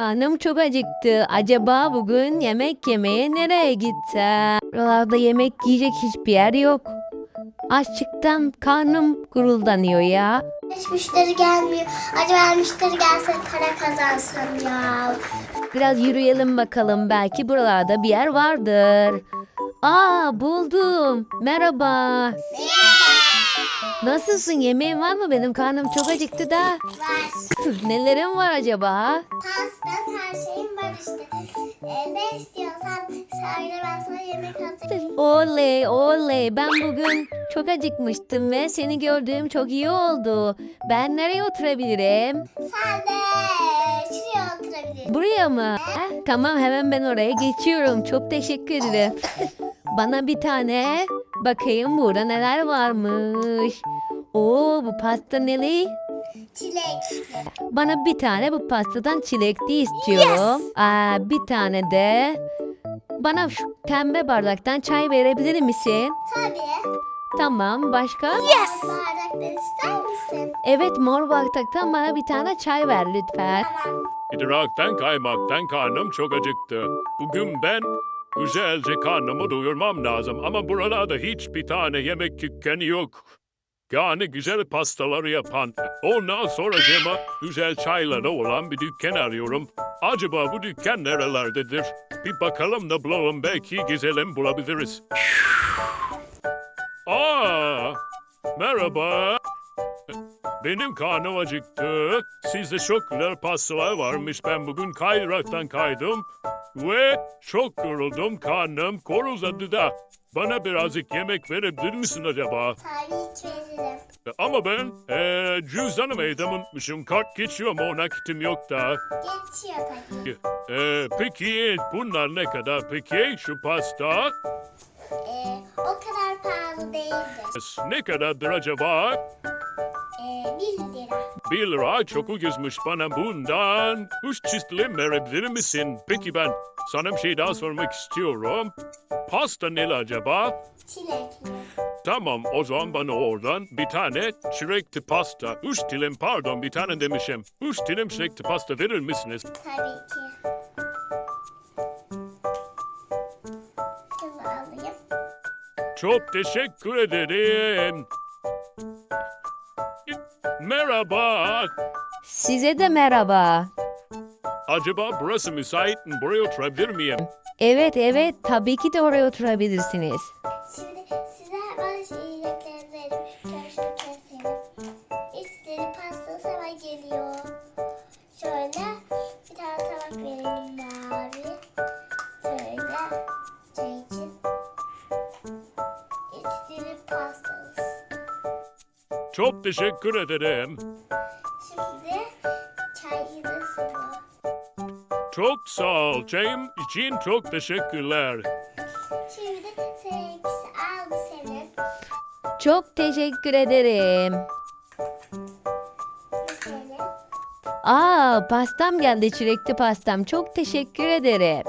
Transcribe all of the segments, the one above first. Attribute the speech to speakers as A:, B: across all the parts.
A: Annem çok acıktı. Acaba bugün yemek yemeye nereye gitsem? Buralarda yemek yiyecek hiçbir yer yok. Açlıktan karnım guruldanıyor ya.
B: Hiç müşteri gelmiyor. Acaba müşteri gelse para kazansam ya.
A: Biraz yürüyelim bakalım. Belki buralarda bir yer vardır. Aa, buldum. Merhaba. Nasılsın? Yemeğin var mı? Benim karnım çok acıktı da.
B: Var.
A: Nelerin var acaba?
B: Pastan her şeyim var işte. Ne istiyorsan söyle, ben sana yemek hazırlayayım.
A: Oley oley, ben bugün çok acıkmıştım ve seni gördüğüm çok iyi oldu. Ben nereye oturabilirim?
B: Sen de şuraya oturabilirsin.
A: Buraya mı? Tamam, hemen ben oraya geçiyorum. Çok teşekkür ederim. Bana bir tane bakayım burada neler varmış. Oo, bu pasta neli?
B: Çilek.
A: Bana bir tane bu pastadan çilekli istiyorum. Bir tane de bana şu pembe bardaktan çay verebilir misin?
B: Tabii.
A: Tamam, başka?
B: Bardakları ister misin?
A: Evet, mor bardaktan bana bir tane çay ver lütfen.
B: Tamam.
C: İdraktan kaymaktan karnım çok acıktı. Bugün ben güzelce karnımı doyurmam lazım ama buralarda hiçbir tane yemek dükkanı yok. Yani güzel pastaları yapan, ondan sonra cema güzel çayları olan bir dükkan arıyorum. Acaba bu dükkan nerelerdedir? Bir bakalım da bulalım, belki gezelim bulabiliriz. Aa, merhaba. Benim karnım acıktı. Sizde çok güzel pastalar varmış. Ben bugün kaydıraktan kaydım. Ve çok yoruldum. Karnım koruzadı da. Bana birazcık yemek verebilir misin acaba?
B: Tabii ki veririm.
C: Ama ben cüzdanımı evde unutmuşum. Kart geçiyor mu? Nakitim yok da.
B: Geçiyor tabii.
C: Peki bunlar ne kadar peki? Şu pasta
B: O kadar pahalı değildir.
C: ne kadardır acaba?
B: 1 lira.
C: 1 lira çok ucuzmuş, bana bundan 3 çiftli verebilir misin? Peki ben sana bir şey daha sormak istiyorum. Pasta ne acaba?
B: Çilekli.
C: Tamam, o zaman bana oradan bir tane çilekli pasta. 3 dilim, pardon, bir tane demişim. 3 dilim çilekli pasta verir misiniz?
B: Tabii ki. Şunu alayım.
C: Çok teşekkür ederim. Merhaba.
A: Size de merhaba.
C: Acaba burası müsait mi? Buraya oturabilir miyim?
A: Evet evet, tabii ki de oraya oturabilirsiniz.
B: Şimdi size bazı yiyeceklerinizi verim. Şöyle keselim. İçleri pastası hemen geliyor. Şöyle bir tane tabak verelim mavi. Şöyle çay için. İçleri pastası.
C: Çok teşekkür ederim.
B: Şimdi çayını sıvı.
C: Çok sağ ol. Çayım için çok teşekkürler.
B: Şimdi seninkisi aldı senin.
A: Çok teşekkür ederim.
B: Bu senin.
A: Pastam geldi, çilekli pastam. Çok teşekkür ederim.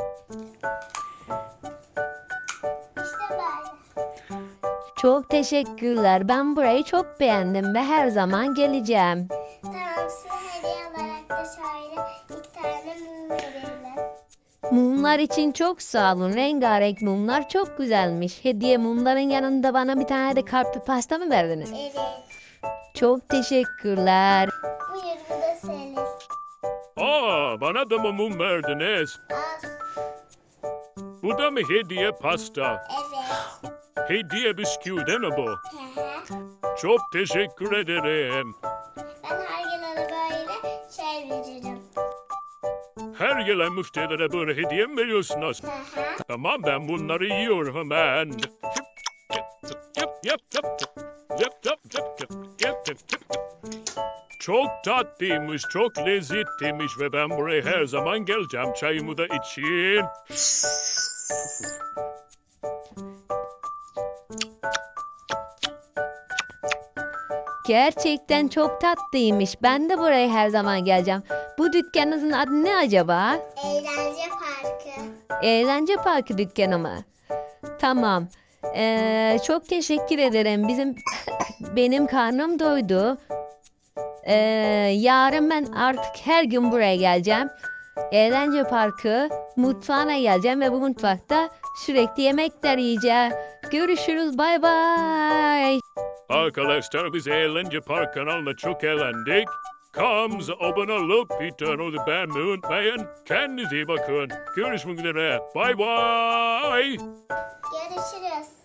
B: İşte böyle.
A: Çok teşekkürler. Ben burayı çok beğendim ve her zaman geleceğim.
B: Tamam, size hediye olarak da şöyle 2 tane mum verelim.
A: Mumlar için çok sağ olun. Rengarenk mumlar çok güzelmiş. Hediye mumların yanında bana bir tane de kalpli pasta mı verdiniz?
B: Evet.
A: Çok teşekkürler.
B: Buyur, bu da senin.
C: Bana da mı mum verdiniz?
B: Al.
C: Bu da mı hediye pasta?
B: Evet.
C: Hediye bisküvi değil mi bu?
B: Hı hı.
C: Çok teşekkür ederim.
B: Ben her gün ona böyle şey veririm.
C: Her gelen müşterilere böyle hediye mi veriyorsunuz?
B: Hı hı.
C: Tamam, ben bunları yiyorum hemen. Çok tatlıymış, çok lezzetliymiş ve ben buraya her zaman geleceğim çayımı da için.
A: Gerçekten çok tatlıymış. Ben de buraya her zaman geleceğim. Bu dükkanınızın adı ne acaba?
B: Eğlence parkı.
A: Eğlence parkı dükkanı mı? Tamam. Çok teşekkür ederim. Benim karnım doydu. Yarın ben artık her gün buraya geleceğim. eğlence parkı mutfağına geleceğim ve bu mutfakta sürekli yemekler yiyeceğim. Görüşürüz, bay bay.
C: Arkadaşlar biz Eğlence Park kanalına çok eğlendik. Kanalımıza abone olup videomuzu beğenmeyi unutmayın. Kendinize iyi bakın. Görüşmek üzere. Bay bay.
B: Görüşürüz.